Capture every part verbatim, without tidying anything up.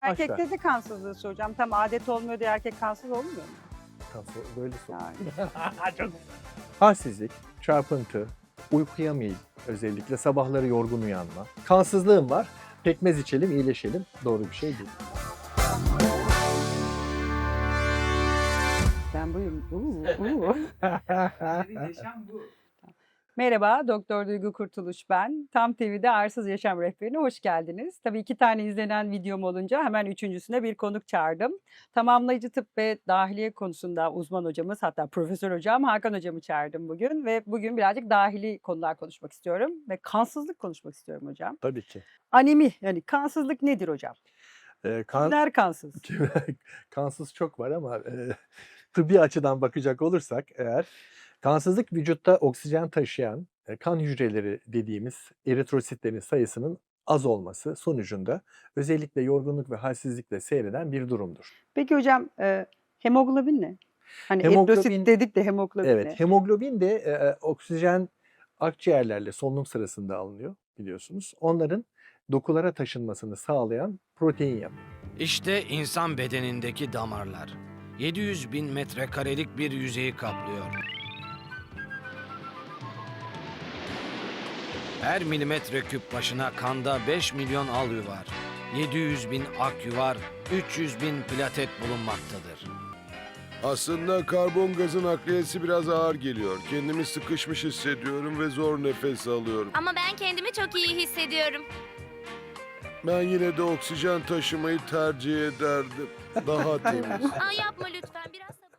aşağı. Erkekte de kansızlığı soracağım. Tam adet olmuyor diye erkek kansız olmuyor mu? Kansız, böyle sor. Yani. Halsizlik, çarpıntı, uykuya meyil, özellikle sabahları yorgun uyanma. Kansızlığım var, pekmez içelim, iyileşelim. Doğru bir şey değil. Ben buyum. Uuu, uuu. Yaşam bu. Merhaba, Doktor Duygu Kurtuluş ben. Tam T V'de Arsız Yaşam Rehberi'ne hoş geldiniz. Tabii iki tane izlenen videom olunca hemen üçüncüsüne bir konuk çağırdım. Tamamlayıcı tıp ve dahiliye konusunda uzman hocamız, hatta profesör hocam Hakan hocamı çağırdım bugün. Ve bugün birazcık dahili konular konuşmak istiyorum ve kansızlık konuşmak istiyorum hocam. Tabii ki. Anemi, yani kansızlık nedir hocam? Ee, kan, Kimler kansız? kansız çok var ama e, tıbbi açıdan bakacak olursak eğer, kansızlık vücutta oksijen taşıyan e, kan hücreleri dediğimiz eritrositlerin sayısının az olması sonucunda özellikle yorgunluk ve halsizlikle seyreden bir durumdur. Peki hocam, e, hemoglobin ne? Hani Hemoglobin- eritrosit dedik de hemoglobin ne? Evet, hemoglobin de e, e, oksijen akciğerlerle solunum sırasında alınıyor biliyorsunuz. Onların dokulara taşınmasını sağlayan protein yapıyor. İşte insan bedenindeki damarlar. yedi yüz bin metrekarelik bir yüzeyi kaplıyor. Her milimetre küp başına kanda beş milyon alü var. yedi yüz bin akü var, üç yüz bin platet bulunmaktadır. Aslında karbon gazı nakliyesi biraz ağır geliyor. Kendimi sıkışmış hissediyorum ve zor nefes alıyorum. Ama ben kendimi çok iyi hissediyorum. Ben yine de oksijen taşımayı tercih ederdim. Daha temiz. Aa, yapma lütfen, biraz sabır.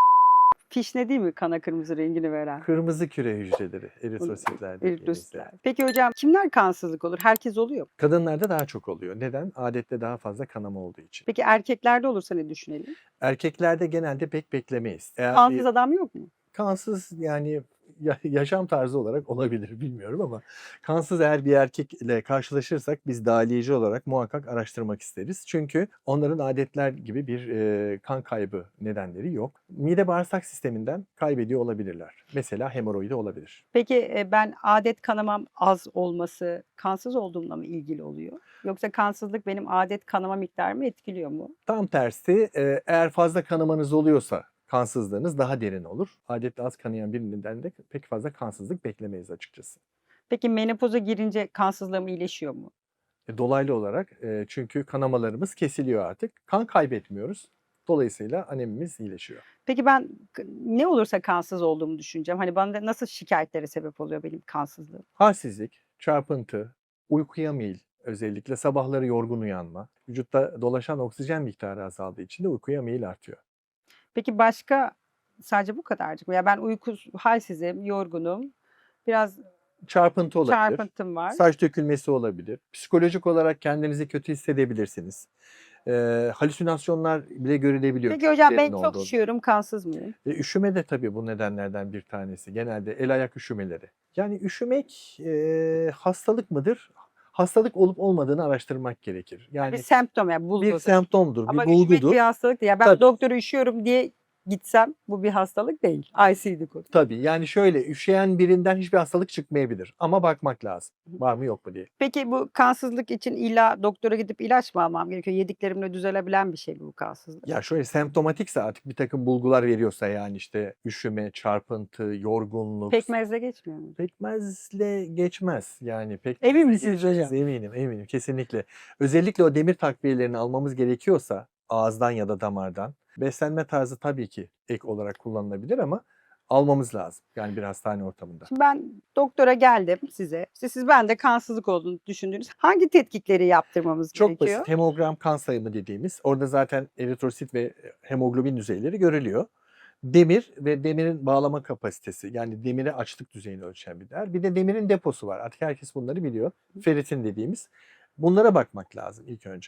Fişne değil mi kana kırmızı rengini veren? Kırmızı küre hücreleri, eritrositler dediğimiz. Eritrositler. Peki hocam, kimler kansızlık olur? Herkes oluyor mu? Kadınlarda daha çok oluyor. Neden? Adette daha fazla kanama olduğu için. Peki erkeklerde olursa ne düşünelim? Erkeklerde genelde pek beklemeyiz. Eğer Kansız bir adam yok mu? kansız yani ya- yaşam tarzı olarak olabilir bilmiyorum ama kansız eğer bir erkekle karşılaşırsak biz dahiliyeci olarak muhakkak araştırmak isteriz. Çünkü onların adetler gibi bir e, kan kaybı nedenleri yok. Mide bağırsak sisteminden kaybediyor olabilirler. Mesela hemoroidi olabilir. Peki e, ben adet kanamam az olması kansız olduğumla mı ilgili oluyor? Yoksa kansızlık benim adet kanama miktarımı etkiliyor mu? Tam tersi e, eğer fazla kanamanız oluyorsa kansızlığınız daha derin olur. Adetle az kanayan birinden de pek fazla kansızlık beklemeyiz açıkçası. Peki menopoza girince kansızlığım iyileşiyor mu? E, Dolaylı olarak e, çünkü kanamalarımız kesiliyor artık. Kan kaybetmiyoruz. Dolayısıyla anemimiz iyileşiyor. Peki ben k- ne olursa kansız olduğumu düşüneceğim. Hani bana da nasıl şikayetlere sebep oluyor benim kansızlığım? Halsizlik, çarpıntı, uykuya meyil, özellikle sabahları yorgun uyanma, vücutta dolaşan oksijen miktarı azaldığı için de uykuya meyil artıyor. Peki başka sadece bu kadarcık mı? Ya ben uykus halsizim, yorgunum. Biraz Çarpıntı olabilir. çarpıntım var. Saç dökülmesi olabilir. Psikolojik olarak kendinizi kötü hissedebilirsiniz. Ee, halüsinasyonlar bile görülebiliyor. Peki hocam ben Kişilerin çok olduğu. üşüyorum, kansız mıyım? E, üşüme de tabii bu nedenlerden bir tanesi. Genelde el ayak üşümeleri. Yani üşümek e, hastalık mıdır? Hastalık olup olmadığını araştırmak gerekir. Yani Bir semptom yani bulgudur. bir semptomdur, Ama bir üşümek bulgudur. bir hastalık değil. Ya ben Tabii. doktora üşüyorum diye gitsem bu bir hastalık değil. I C D kodu. Tabii yani şöyle üşüyen birinden hiçbir hastalık çıkmayabilir. Ama bakmak lazım. Var mı yok mu diye. Peki bu kansızlık için illa doktora gidip ilaç mı almam gerekiyor? Yediklerimle düzelebilen bir şey mi bu kansızlık? Ya şöyle semptomatikse artık bir takım bulgular veriyorsa yani işte üşüme, çarpıntı, yorgunluk. Pekmezle geçmiyor mu? Pekmezle geçmez. Yani pek Emin misiniz hocam? Eminim, eminim kesinlikle. Özellikle o demir takviyelerini almamız gerekiyorsa ağızdan ya da damardan beslenme tarzı tabii ki ek olarak kullanılabilir ama almamız lazım. Yani bir hastane ortamında. Şimdi ben doktora geldim size. İşte siz bende kansızlık olduğunu düşündünüz. Hangi tetkikleri yaptırmamız Çok gerekiyor? basit hemogram kan sayımı dediğimiz orada zaten eritrosit ve hemoglobin düzeyleri görülüyor. Demir ve demirin bağlama kapasitesi yani demire açlık düzeyini ölçen bir değer. Bir de demirin deposu var. Artık herkes bunları biliyor. Ferritin dediğimiz. Bunlara bakmak lazım ilk önce.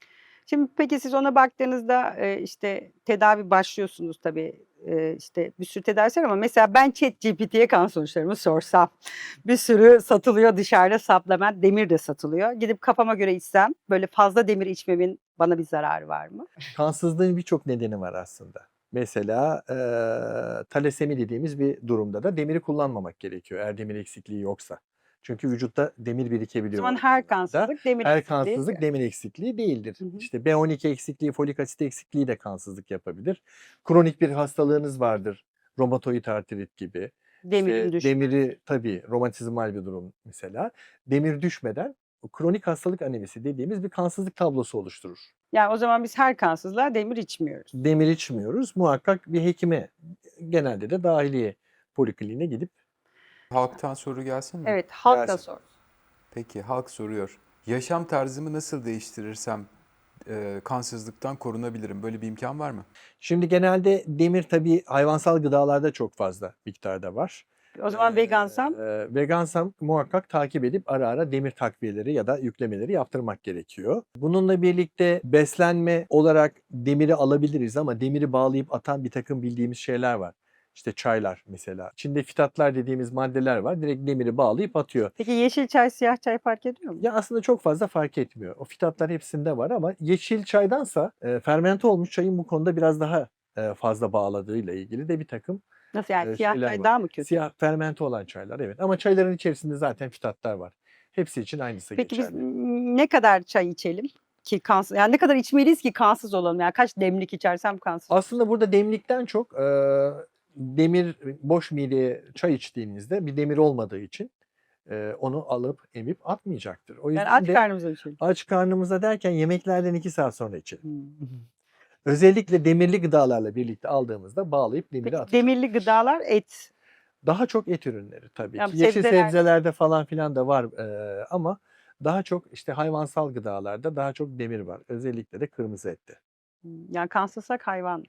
Şimdi peki siz ona baktığınızda e, işte tedavi başlıyorsunuz tabii. E, işte bir sürü tedavisi var ama mesela ben ChatGPT'ye kan sonuçlarımı sorsam bir sürü satılıyor dışarıda supplement, demir de satılıyor. Gidip kafama göre içsem böyle fazla demir içmemin bana bir zararı var mı? Kansızlığın birçok nedeni var aslında. Mesela e, talasemi dediğimiz bir durumda da demiri kullanmamak gerekiyor eğer demir eksikliği yoksa. Çünkü vücutta demir O birikebiliyor. zaman o her durumlarda. kansızlık demir Her eksikliği. kansızlık demir eksikliği değildir. Hı hı. İşte B on iki eksikliği, folik asit eksikliği de kansızlık yapabilir. Kronik bir hastalığınız vardır. Romatoid artrit gibi. Demirin İşte düşmesi. demiri tabii romatizmal bir durum mesela. Demir düşmeden o kronik hastalık anemisi dediğimiz bir kansızlık tablosu oluşturur. Yani o zaman biz her kansızlığa demir içmiyoruz. Demir içmiyoruz. Muhakkak bir hekime, genelde de dahiliye polikliniğine gidip Halktan soru gelsin mi? Evet, halk da Gelsin. sor. Peki, halk soruyor. Yaşam tarzımı nasıl değiştirirsem e, kansızlıktan korunabilirim? Böyle bir imkan var mı? Şimdi genelde demir tabii hayvansal gıdalarda çok fazla miktarda var. O zaman Ee, vegansam e, vegansam muhakkak takip edip ara ara demir takviyeleri ya da yüklemeleri yaptırmak gerekiyor. Bununla birlikte beslenme olarak demiri alabiliriz ama demiri bağlayıp atan bir takım bildiğimiz şeyler var. İşte çaylar mesela. İçinde fitatlar dediğimiz maddeler var. Direkt demiri bağlayıp atıyor. peki yeşil çay, siyah çay fark ediyor mu? Ya aslında çok fazla fark etmiyor. O fitatlar hepsinde var ama yeşil çaydansa e, fermente olmuş çayın bu konuda biraz daha e, fazla bağladığıyla ilgili de bir takım Nasıl yani e, siyah şeyler çay var. daha mı kötü? Siyah fermente olan çaylar evet ama çayların içerisinde zaten fitatlar var. Hepsi için aynısı Peki biz geçerli. ne kadar çay içelim ki kansız? Yani ne kadar içmeliyiz ki kansız olalım? Yani kaç demlik içersem kansız? Aslında burada demlikten çok e, demir boş mideye çay içtiğinizde bir demir olmadığı için e, onu alıp emip atmayacaktır. O Yani yüzden aç de karnımıza içelim. aç karnımıza derken yemeklerden iki saat sonra içelim. Hmm. Özellikle demirli gıdalarla birlikte aldığımızda bağlayıp demiri Peki atacağız. demirli gıdalar et. Daha çok et ürünleri tabii Yani ki. Yeşil sebzeler- sebzelerde falan filan da var e, ama daha çok işte hayvansal gıdalarda daha çok demir var. Özellikle de kırmızı ette. Hmm, Yani kansızsak hayvan.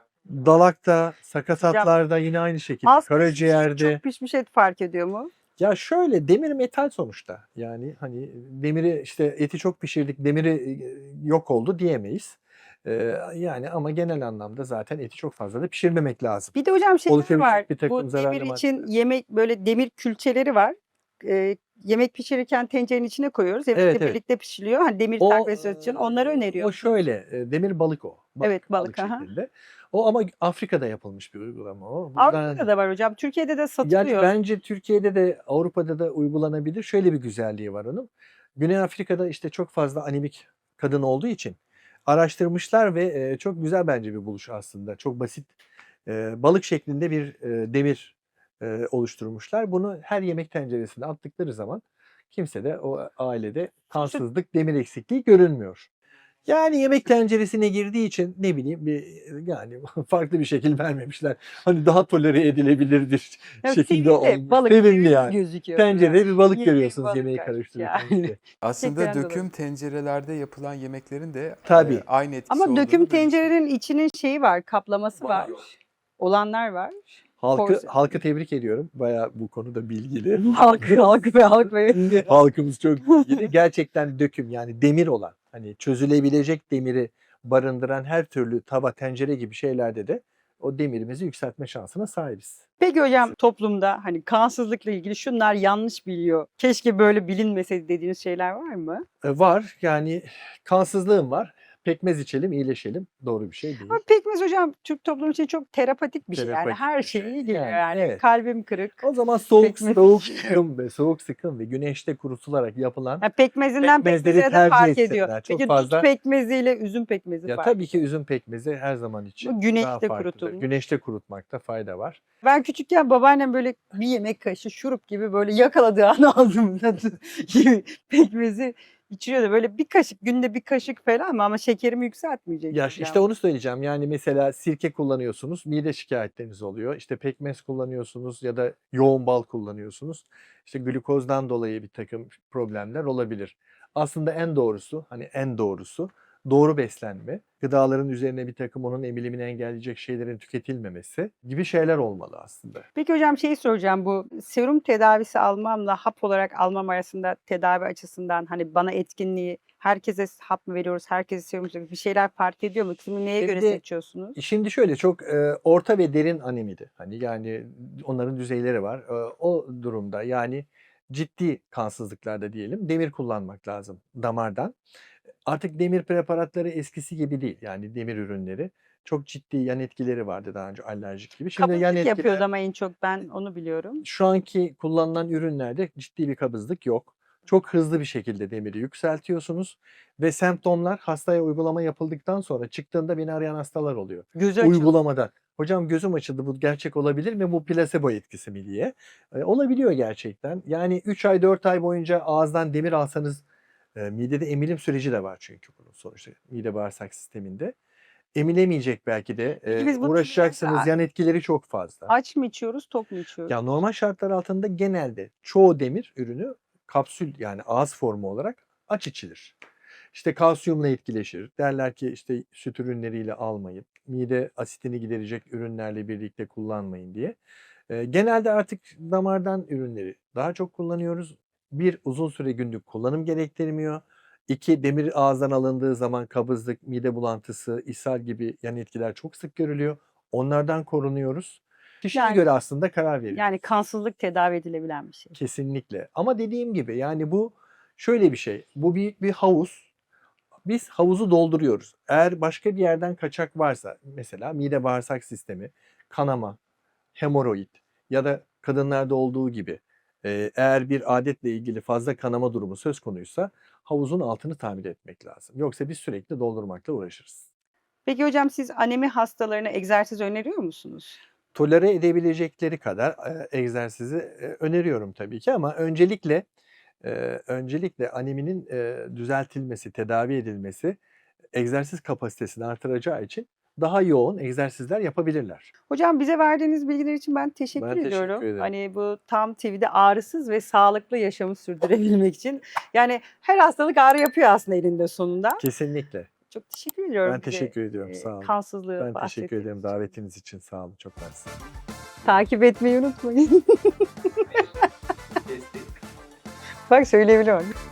Dalakta, sakatatlarda yine aynı şekilde. Az pişmiş, Karaciğerde. çok pişmiş et fark ediyor mu? Ya şöyle demir metal sonuçta. Yani hani demiri işte eti çok pişirdik, demiri e, yok oldu diyemeyiz. E, yani ama genel anlamda zaten eti çok fazla da pişirmemek lazım. Bir de hocam şeyler Oluşabilecek var. bir takım Bu zararlı demir için maddeler. yemek böyle demir külçeleri var. Ee, yemek pişirirken tencerenin içine koyuyoruz. Yemekle Evet, evet. birlikte pişiliyor. Hani demir O, takviyesi için onları e, öneriyor. O şöyle, e, demir balık o. Evet, balık, aha. şeklinde. O ama Afrika'da yapılmış bir uygulama o. Buradan- Avrupa'da da var hocam. Türkiye'de de Yani satılıyor. bence Türkiye'de de Avrupa'da da uygulanabilir. Şöyle bir güzelliği var onun. Güney Afrika'da işte çok fazla anemik kadın olduğu için araştırmışlar ve e, çok güzel bence bir buluş aslında. Çok basit e, balık şeklinde bir e, demir e, oluşturmuşlar. Bunu her yemek tenceresine attıkları zaman kimse de o ailede kansızlık, demir eksikliği görünmüyor. Yani yemek tenceresine girdiği için ne bileyim bir yani farklı bir şekil vermemişler. Hani daha tolere edilebilirdir Ya şekilde sevimli, olmuş. balık Sevimli sevimli yani. gözüküyor. Tencerede bir balık Yemeği görüyorsunuz balık yemeği karışık karıştırırken. yani. işte. Aslında Gerçekten döküm dolayı. tencerelerde yapılan yemeklerin de e, Tabii. aynı etkisi Ama olduğunu döküm duymuştum. tencerenin içinin şeyi var, kaplaması var. Olanlar var. Halkı, Porsiyon. halkı tebrik ediyorum. Bayağı bu konuda bilgili. Halk, halk ve halk ve Halkımız çok bilgili. Gerçekten döküm yani demir olan hani çözülebilecek demiri barındıran her türlü tava, tencere gibi şeylerde de o demirimizi yükseltme şansına sahibiz. Peki hocam toplumda hani kansızlıkla ilgili şunlar yanlış biliyor. Keşke böyle bilinmeseydi dediğiniz şeyler var mı? E, var yani kansızlığım var. Pekmez içelim, iyileşelim. Doğru bir şey değil. Ama pekmez hocam Türk toplumu için çok terapatik bir şey. Yani Terapatik her bir şey. şeyi iyi geliyor Yani, yani. evet. Kalbim kırık. O zaman soğuk, Pekmez soğuk içiyor. sıkım ve soğuk sıkım ve güneşte kurutularak yapılan Yani pekmezinden Pekmezleri pekmeze de tercih fark etsinler. ediyor. Çok Peki fazla- dut pekmeziyle üzüm pekmezi ya fark. tabii ki üzüm pekmezi her zaman için Bu güneşte daha farklıdır. kurutulmuş. Güneşte kurutmakta fayda var. Ben küçükken babaannem böyle bir yemek kaşığı şurup gibi böyle yakaladığı an ağzımda pekmezi içiriyordu. Böyle bir kaşık, günde bir kaşık falan ama, ama şekerimi yükseltmeyecek. Ya hocam. işte onu söyleyeceğim. Yani mesela sirke kullanıyorsunuz, mide şikayetleriniz oluyor. İşte pekmez kullanıyorsunuz ya da yoğun bal kullanıyorsunuz. İşte glukozdan dolayı bir takım problemler olabilir. Aslında en doğrusu, hani en doğrusu doğru beslenme, gıdaların üzerine bir takım onun emilimini engelleyecek şeylerin tüketilmemesi gibi şeyler olmalı aslında. Peki hocam şeyi soracağım, bu serum tedavisi almamla hap olarak almam arasında tedavi açısından hani bana etkinliği, herkese hap mı veriyoruz, herkese serum mu veriyoruz, bir şeyler fark ediyor mu? Kimi neye göre Şimdi- seçiyorsunuz? Şimdi şöyle çok e, orta ve derin anemiydi. Hani yani onların düzeyleri var. E, o durumda yani ciddi kansızlıklarda diyelim demir kullanmak lazım damardan. Artık demir preparatları eskisi gibi değil. Yani demir ürünleri çok ciddi yan etkileri vardı daha önce alerjik gibi. Şimdi yan Kabızlık etkiler yapıyordu ama en çok ben onu biliyorum. şu anki kullanılan ürünlerde ciddi bir kabızlık yok. Çok hızlı bir şekilde demiri yükseltiyorsunuz ve semptomlar hastaya uygulama yapıldıktan sonra çıktığında beni arayan hastalar oluyor. Gözü açıldı. Uygulamadan. Hocam gözüm açıldı, bu gerçek olabilir mi? Bu plasebo etkisi mi diye. E, olabiliyor gerçekten. Yani üç ay dört ay boyunca ağızdan demir alsanız e, midede emilim süreci de var çünkü bunun sonuçta mide bağırsak sisteminde. Emilemeyecek belki de. Peki E, biz bunu uğraşacaksınız. Yan etkileri çok fazla. Aç mı içiyoruz, tok mu içiyoruz? Ya normal şartlar altında genelde çoğu demir ürünü kapsül yani ağız formu olarak aç içilir. İşte kalsiyumla etkileşir. Derler ki işte süt ürünleriyle almayın. Mide asitini giderecek ürünlerle birlikte kullanmayın diye. Ee, genelde artık damardan ürünleri daha çok kullanıyoruz. Bir, uzun süre günlük kullanım gerektirmiyor. İki, demir ağızdan alındığı zaman kabızlık, mide bulantısı, ishal gibi yan etkiler çok sık görülüyor. Onlardan korunuyoruz. Kişiye Yani- göre aslında karar veriyoruz. Yani kansızlık tedavi edilebilen bir şey. Kesinlikle. Ama dediğim gibi yani bu şöyle bir şey. Bu büyük bir havuz. Biz havuzu dolduruyoruz. Eğer başka bir yerden kaçak varsa mesela mide bağırsak sistemi, kanama, hemoroid ya da kadınlarda olduğu gibi e, eğer bir adetle ilgili fazla kanama durumu söz konuysa havuzun altını tamir etmek lazım. Yoksa biz sürekli doldurmakla uğraşırız. Peki hocam siz anemi hastalarına egzersiz öneriyor musunuz? Tolere edebilecekleri kadar e, egzersizi e, öneriyorum tabii ki ama öncelikle e, öncelikle aneminin e, düzeltilmesi, tedavi edilmesi egzersiz kapasitesini artıracağı için daha yoğun egzersizler yapabilirler. Hocam bize verdiğiniz bilgiler için ben teşekkür Ben teşekkür ediyorum. ederim. Hani bu Tam T V'de ağrısız ve sağlıklı yaşamı sürdürebilmek için. Yani her hastalık ağrı yapıyor aslında elinde sonunda. Kesinlikle. Çok teşekkür ediyorum. Ben bize, teşekkür ediyorum. e, Sağ olun. Kansızlığı Ben teşekkür bahsettiğiniz ederim için. davetiniz için. Sağ olun. Çok mersi. Takip etmeyi unutmayın. Bak söyleyebiliyorum.